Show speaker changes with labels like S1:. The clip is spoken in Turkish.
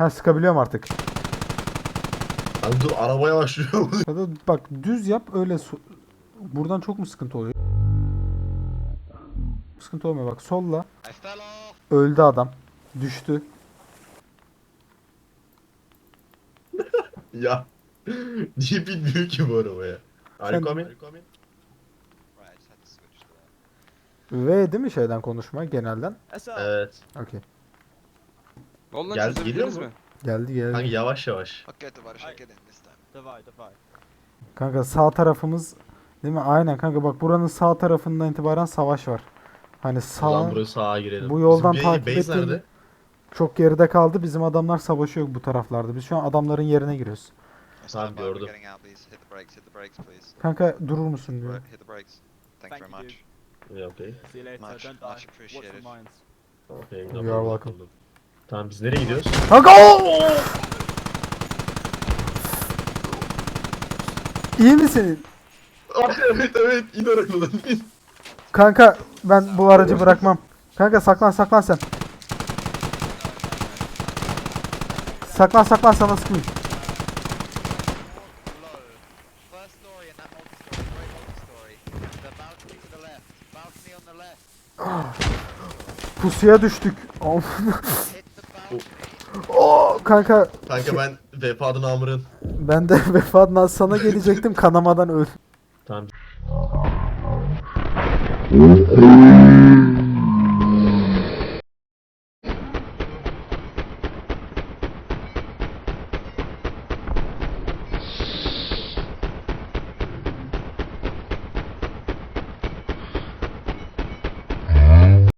S1: Ha, sıkabiliyorum artık.
S2: Lan dur arabaya başlıyor.
S1: Ya da bak düz yap öyle buradan çok mu sıkıntı oluyor? Sıkıntı olmuyor bak solla. Öldü adam. Düştü.
S2: Ya. Niye bilmiyor ki bu arabaya? Are you
S1: Sen
S2: coming?
S1: V değil mi şeyden konuşma genelden?
S2: Evet.
S1: Okey.
S3: Oldu lan,
S2: Geliyor
S3: çözebildiniz
S2: mu?
S3: mi?
S1: Geldi geldi.
S2: Kanka yavaş yavaş.
S4: Okay, товарищи, get in this time.
S5: Давай, давай.
S1: Kanka sağ tarafımız değil mi? Aynen kanka bak buranın sağ tarafından itibaren savaş var. Hani
S2: O zaman
S1: sağ
S2: buraya sağa girelim.
S1: bu yoldan
S2: Bizim
S1: takip
S2: base
S1: ettiğim
S2: nerede?
S1: çok geride kaldı. Bizim adamlar savaşıyor bu taraflarda. Biz şu an adamların yerine giriyoruz.
S2: Tamam,
S4: Stand by, we're
S2: gördüm.
S4: getting out, please. Hit the brakes, please.
S1: Kanka durur musun diyor.
S4: Hit the brakes. Thank you very
S5: Thank
S4: much.
S2: Yeah, okay.
S5: See you later.
S4: Much,
S5: Don't
S4: much
S5: die. Watch
S4: appreciated.
S5: the mines.
S2: Okay.
S1: You are welcome.
S2: Tamam biz nereye gidiyoruz?
S1: Kanka İyi misin?
S2: Evet evet in arabadan in.
S1: Kanka ben bu aracı bırakmam. Kanka saklan saklan sen. Saklan saklan sana sıkmayayım.
S4: First story in that multi-story, great multi-story. The balcony to the left. Balcony on the left.
S1: Pusuya düştük.
S4: Hit the balcony.
S1: Kanka
S2: Kanka ben vefa namırın.
S1: ben de vefatından sana gelecektim kanamadan öldüm.
S2: Tamam.